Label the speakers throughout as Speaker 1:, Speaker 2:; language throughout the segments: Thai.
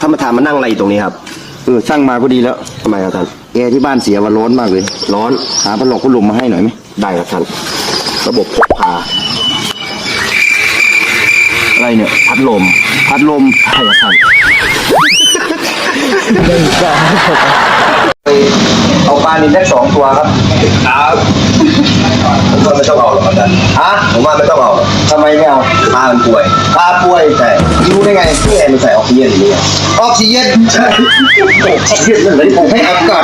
Speaker 1: ท่านประธานมานั่งอะไรอยู่ตรงนี้ครับ
Speaker 2: ช่างมาก็ดีแล้ว
Speaker 1: ทำไมครับท่าน
Speaker 2: แอร์ที่บ้านเสียว่าร้อนมากเลย
Speaker 1: ร้อน
Speaker 2: หาพัดลมมาให้หน่อยไหม
Speaker 1: ได้ครับท่านระบบพกพา
Speaker 2: อะไรเนี่ย
Speaker 1: พัดลมใช่ครับท่าน
Speaker 2: เอาปลานิลได้2 ตัวครับ
Speaker 1: ผมว่าไม่ต้องเอาหรอกครับท่านผมว่าไม่ต้องเอา
Speaker 2: ทำไมไม่เอา
Speaker 1: ปลามันป่วยใช่
Speaker 2: รู้ได้ไง
Speaker 1: ที่แอร์มันใส่ออกซิเจนอย่างนี้
Speaker 2: ออกซิเจน
Speaker 1: ใช่ออกซิเจนนั่นเลยผม
Speaker 2: ให้อากาศ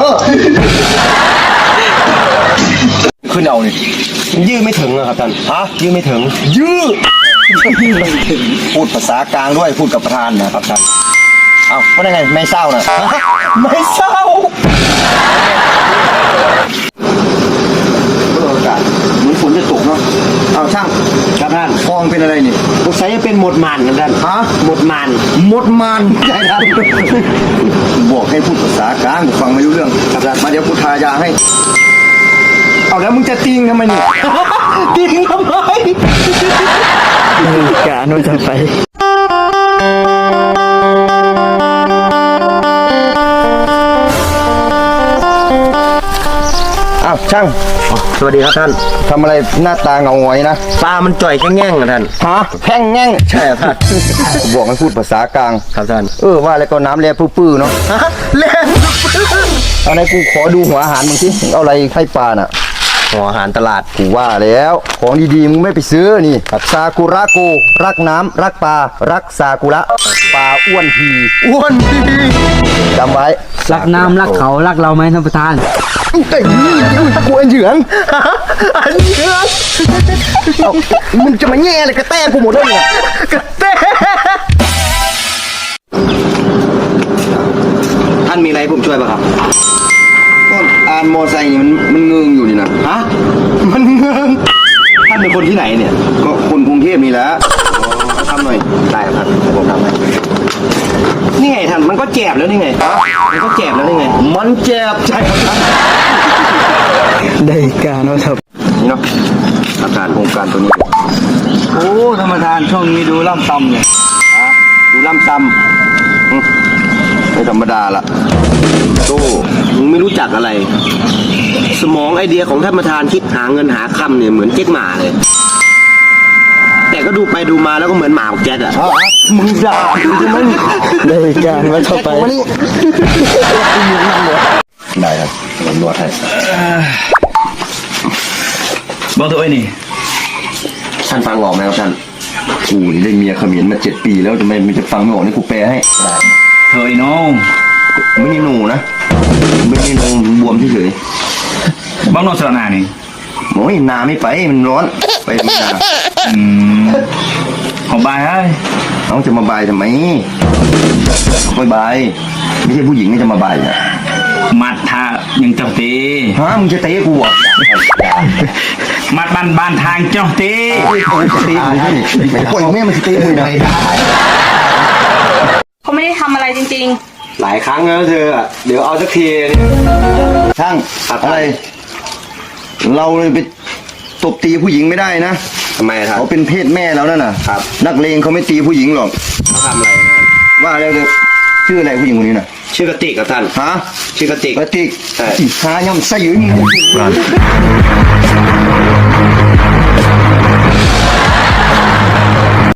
Speaker 1: ขึ้นเอาเนี่ยยื้อไม่ถึงนะครับท่านยื้อไม่ถึง
Speaker 2: พูดภาษากลางด้วยพูดกับประธานนะครับท่านเอาว่าได้ไงไม่เศร้านะ
Speaker 1: ไม่เศร้า
Speaker 2: อากาศเหมือนฝนจะตกเนาะเอาช่าง
Speaker 1: ครับท่าน
Speaker 2: ฟองเป็นอะไรนี่
Speaker 1: สงสัยจะเป็นหมดมันครับท่านหมดมัน
Speaker 2: ใช่ครับบอกให้พูดภาษากลางฟังไม่รู้เรื่องครับมาเดี๋ยวกูทายาให้เอาแล้วมึงจะติงทำไมนี่
Speaker 1: ติงทำไม
Speaker 3: กะโน่นจะไป
Speaker 2: ช่าง
Speaker 1: สวัสดีครับท่าน
Speaker 2: ทำอะไรหน้าตาเงาหงอยนะ
Speaker 1: ปลามันจ่อยแค่แง่งนะท่าน
Speaker 2: แพ่งแง่ง
Speaker 1: ใช่ครับท่าน
Speaker 2: บอกให้พูดภาษากลาง
Speaker 1: ครับท่าน
Speaker 2: ว่าแล้วก็น้ำแร่ปื้อๆเนาะ
Speaker 1: แร่
Speaker 2: อะไรกูขอดูหัวอาหารมึงสิเอาอะไรให้ปลาน่ะ
Speaker 1: หัวอาหารตลาด
Speaker 2: กูว่าแล้วของดีๆมึงไม่ไปซื้อนี่ซากุระโกรักน้ำรักปลารักซากุระปลาอ้วนทีจำไว้
Speaker 3: รักน้ำรักเขารักเราไหมท่านประธาน
Speaker 2: แต่นี่กูอันเหยืองมึงจะมาแง่อะไรกระแตกูหมดเลยเนี่ย
Speaker 1: กระแตท่านมีอะไรผมช่วยป่ะครับ
Speaker 2: ก็อ่านมอไซค์นี่มันเงืองอยู่นี่นะ
Speaker 1: มันเงืองท่านเป็นคนที่ไหนเนี่ย
Speaker 2: ก็คนกรุงเทพนี่แหละ
Speaker 1: ทำหน่อยได้ครับผมทำให้นี่ไงท่านมันก็แจบแล้วนี่ไงมันก็แจบแล้วนี่ไง
Speaker 2: มันแจบ
Speaker 1: ใช่ครับ
Speaker 3: ได้การว่าครับ
Speaker 2: นี่เนาะอาการโครงการตัวนี้
Speaker 3: โอ้ธรรมทานช่วงนี้ดูล่ำตำเนี่ย
Speaker 2: ดูล่ำตำไม่ธรรมดาละ
Speaker 1: โต้มึงไม่รู้จักอะไรสมองไอเดียของท่านประธานคิดหาเงินหาคำเนี่ยเหมือนเจ๊กหมาเลยแต่ก็ดูไปดูมาแล้วก็เหมือนหมาแจ๊ดอ่ะ
Speaker 2: มึงด่าใช่ไหม
Speaker 3: ได้การว่าเข้าไป
Speaker 2: ได้ครับผมนวดให้
Speaker 3: บอกตัวไอ้นี่
Speaker 1: ท่านฟังออกไหมครับท่าน
Speaker 2: กูนี่ได้เมียเขมิ้นมา7 ปีแล้วทำไมมันจะฟังไม่ออกนี่กูแปลให้
Speaker 3: เฮ้ยน้อง
Speaker 2: ไม่มีหนูนะไม่มีหนูบวมเฉย
Speaker 3: บ้างนอนสระนานี่
Speaker 2: โอ้ยนาไม่ไปมันร้อนไปไม่นา
Speaker 3: ของบายเฮ้ย
Speaker 2: น้องจะมาบายทำไมไม่บายไม่ใช่ผู้หญิงไม่จะมาบายอ่ะ
Speaker 3: มัดท่ายังเจ้าตี
Speaker 2: มึงจะเตะกูอ่ะ
Speaker 3: มัดบ้านทางเจ้าตี
Speaker 2: ตีไม่ปล่อยแม่มันจะเตะมึงได้
Speaker 4: เขาไม่ได้ทำอะไรจริง
Speaker 1: ๆหลายครั้งแล้วเธอเดี๋ยวเอาสักที
Speaker 2: ช่างอะไรเราเลยไปตบตีผู้หญิงไม่ได้นะ
Speaker 1: ทำไมครับ
Speaker 2: เขาเป็นเพศแม่แล้วนั่นน่ะนักเลงเขาไม่ตีผู้หญิงหรอก
Speaker 1: เขาทำอะไรนะ
Speaker 2: ว่าแล้วชื่ออะไรผู้หญิงคนนี้น่ะ
Speaker 1: ชื่อกติกครับท่านชื่อกติก
Speaker 2: หาย่อมใส่อยู่นี่